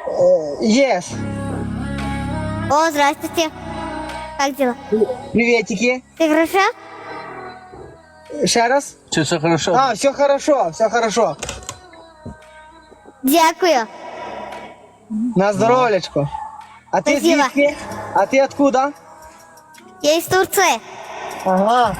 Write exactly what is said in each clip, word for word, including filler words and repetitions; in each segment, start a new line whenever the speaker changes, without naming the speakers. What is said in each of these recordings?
Yes.
О, здравствуйте. Как дела?
Приветики.
Ты хорошо?
Ще раз.
Чи все хорошо?
А, все хорошо, все хорошо.
Дякую.
На здоров'ячко. А ти
Спасибо.
звідки? А ти откуда?
Я из Турции.
Ага.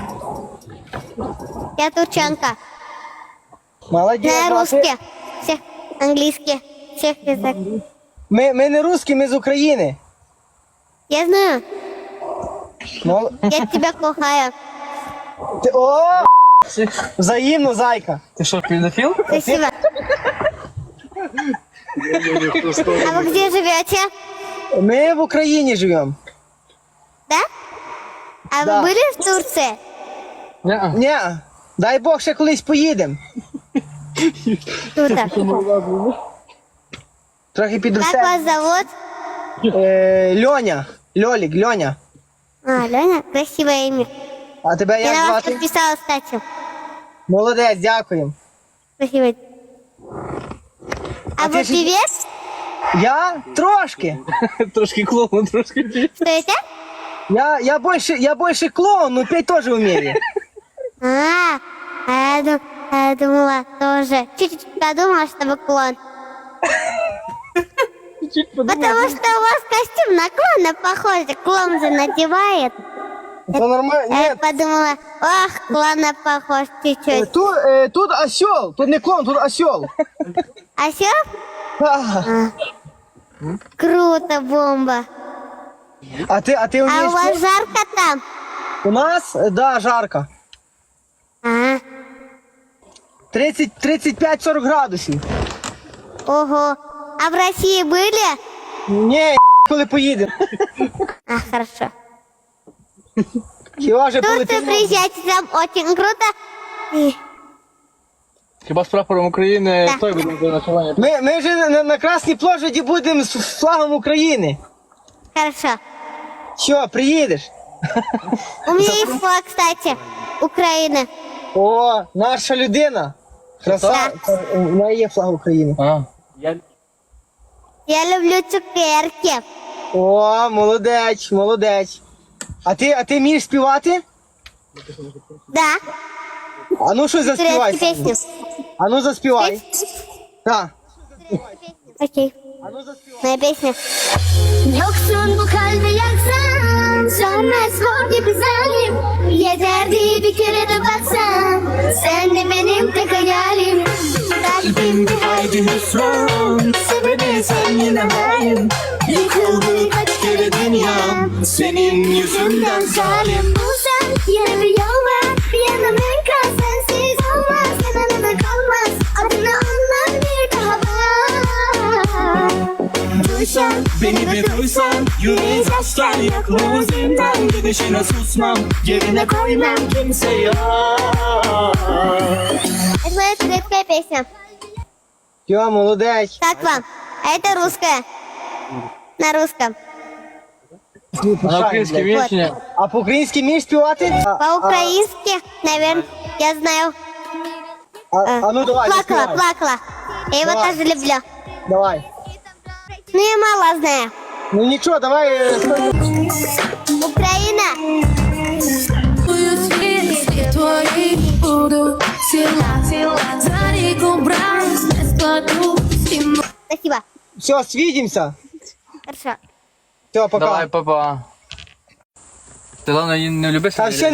Я турчанка.
Молодець.
Знаю
а ти-
русский, всех английский, всех язык.
Ми, ми не русські, ми з України.
Я знаю.
Мол...
Я тебя кохаю.
Ти... О, взаємно, зайка.
Ти що, педофіл?
Спасибо. А вы где живете?
Ми в Україні живемо.
Да? А
Да.
вы были в Турции?
Ні.
Ні, дай Бог ще колись поїдемо.
Круто.
Трохи
Как
підростемо.
вас зовут?
Е, Льоня. Льолік, Льоня.
А, Леня, красивое имя.
А тебе
Я
як
на вас
звати?
подписалась, кстати.
Молодець, дякуємо.
Спасибо. А,
А
вы
ты же-
певец?
Я трошки.
Трошки клоун, трошки.
Что это?
Я, я больше, я больше клоун, но петь тоже умею.
А, а я, дум- а я думала тоже. Чуть-чуть подумала, что вы клон. Потому что у вас костюм на клона похож. Клон же надевает.
Это нормально.
А я
Нет,
подумала, ох, клона похож чуть-чуть.
тут, э, тут осел, тут не клон, тут осел.
А все?
А,
Круто, бомба.
а ты, а ты
А
умеешь?
у вас жарко там?
У нас, э, да, жарко.
А,
тридцать, тридцать пять сорок градусів.
ого. А в России были?
Ні, коли поїдемо.
А, хорошо.
Хіба вже
Тут вы
полетимо?
приезжаете, там очень круто. И-
Хіба з прапором України
Так.
той буде до ночування?
Ми, ми вже на, на Красній площаді будемо з флагом України.
Хорошо.
Що, приїдеш?
У меня есть флаг, кстати, Украины.
О, наша людина. Краса. У неї є флаг України.
А.
Я люблю цукерки.
О, молодець, молодець. А ти, а ти вмієш співати?
Да,
А ну щось заспівай.
турецкую песню.
А ну заспівай. Так.
Окей,
А ну заспівай.
моя песня.
Yoksun bu kalbe yaksan Sönmez mor gibi zalim Yeterdi bir kere de baksan Sen de benim tek hayalim Kalbimde haydi hüsran Sevene sen yine benim Yıkıldı kaç kere dünyam Senin yüzünden zalim Bu sen yine bir yol var Bir yanım enkaz sensiz olmaz Yanına da kalmaz Adını anlar bir daha var
Duysan, beni bir duysan Yüreği taşlar yakma zindan Gidişine susmam, yerine koymam kimse yok
Это моя турецкая песня.
Йо, молодець.
Как вам? А это русская. На русском.
А на українській
Вот.
вічні?
А по-українськи вмієш співати? А,
По-украински, наверное, я знаю.
а, а ну давай,
Плакала,
заспівай.
плакала. Я его
Давай.
тоже люблю.
Давай.
Ну, я мало знаю.
Ну нічого, давай. е,
Украина.
Світ твої буду сила За ріку брать не складу стіну
Спасибо.
Все, свидимся.
Хорошо.
Все, пока.
Давай, папа. Ти головне не люби
Та
себе.
ще